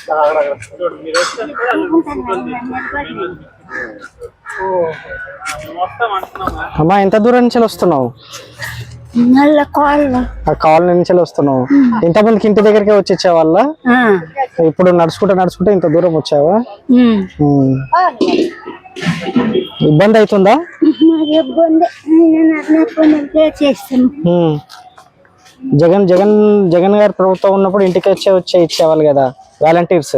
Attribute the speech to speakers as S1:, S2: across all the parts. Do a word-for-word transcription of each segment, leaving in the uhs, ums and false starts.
S1: అమ్మా ఎంత దూరం నుంచి వస్తున్నావు? కాలనీ నుంచి వస్తున్నావు. ఇంతమందికి ఇంటి దగ్గరికి వచ్చి ఇచ్చేవాళ్ళ? ఇప్పుడు నడుచుకుంటా నడుచుకుంటే ఇంత దూరం వచ్చావా? ఇబ్బంది అవుతుందా? జగన్ జగన్ జగన్ గారి ప్రభుత్వం ఉన్నప్పుడు ఇంటికి వచ్చే వచ్చే ఇచ్చేవాళ్ళు కదా వాలంటీర్స్,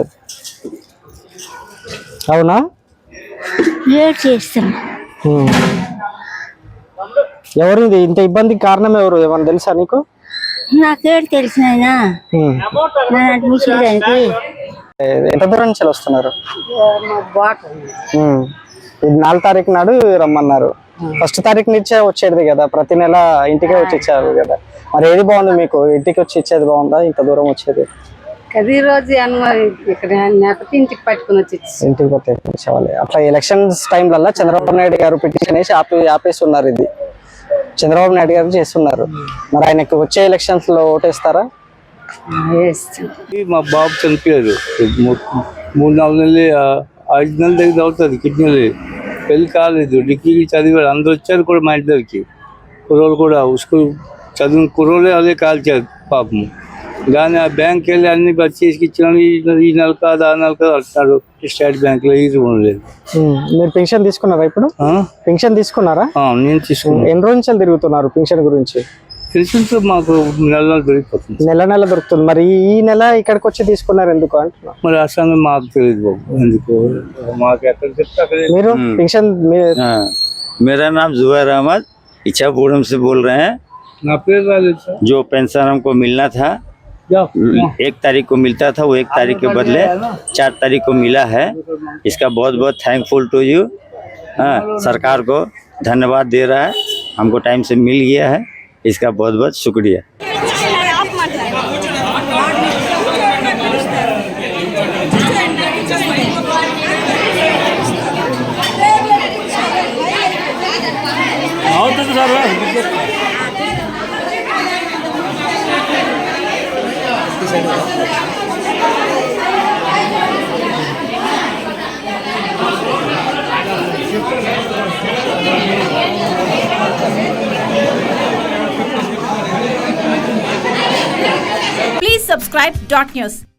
S1: అవునా? ఎవరు ఇంత ఇబ్బందికి కారణం ఎవరు? ఏమన్నా తెలుసా నీకు?
S2: నాకేడు తెలిసిన
S1: ఎంత దూరం నుంచి వస్తున్నారు? ఇది నాలుగు తారీఖు నాడు రమ్మన్నారు. ఫస్ట్ తారీఖు నుంచే వచ్చేది కదా, ప్రతి నెల ఇంటికే వచ్చి ఇచ్చారు కదా. మరి ఏది బాగుంది మీకు? ఇంటికి వచ్చి ఇచ్చేది బాగుందా ఇంత దూరం వచ్చేది?
S2: ఈ రోజు ఇంటికి పట్టుకుని వచ్చి
S1: ఇంటికి పట్టుకోవాలి. అట్లా ఎలక్షన్స్ టైంలల్లా చంద్రబాబు నాయుడు గారు పిటిషన్ వేసి ఆపి ఆపేస్తున్నారు. ఇది చంద్రబాబు నాయుడు గారు చేస్తున్నారు. మరి ఆయనకు వచ్చే ఎలక్షన్స్ లో ఓటేస్తారా?
S3: మా బాబు చనిపోయారు. మూడు నాలుగు నెలలు ఐదు నెలల దగ్గర అవుతుంది. కిడ్నీలు పెళ్లి కాలేదు. డిగ్రీ చదివాడు. అందరు వచ్చారు కూడా మా ఇంటి దగ్గరికి. కుర్రోళ్ళు కూడా స్కూల్ చదివిన కుర్రోళ్ళే అదే కాల్చారు పాపం. కానీ ఆ బ్యాంక్ వెళ్ళి అన్ని చేసి ఇచ్చినాను. ఈ నెల కాదు ఆ నెల కాదు అంటున్నాడు. స్టేట్ బ్యాంక్ లో ఇది ఉండలేదు.
S1: మీరు పెన్షన్ తీసుకున్నారా? ఇప్పుడు పెన్షన్ తీసుకున్నారా?
S3: నేను తీసుకున్నాను.
S1: ఎన్ని రోజులు తిరుగుతున్నారు పెన్షన్ గురించి?
S3: పెన్షన్ మాకు నెల నెల దొరికిపోతుంది.
S1: నెల నెల దొరుకుతుంది. మరి ఈ నెల ఇక్కడికి వచ్చి తీసుకున్నారు ఎందుకు అంటున్నా?
S3: మరి ఆ సంగతి మాకు తెలియదు బాబు. ఎందుకు మాకు ఎక్కడ చెప్తే అక్కడ.
S1: మీరు పెన్షన్?
S4: मेरा नाम जुबैर अहमद इच्छापुरम से बोल रहे हैं। जो पेंशन हमको मिलना था एक तारीख को मिलता था, वो एक तारीख के बदले चार तारीख को मिला है। इसका बहुत बहुत थैंकफुल टू यू। हाँ, सरकार को धन्यवाद दे रहा है। हमको टाइम से मिल गया है, इसका बहुत बहुत शुक्रिया।
S5: Please subscribe Dot News.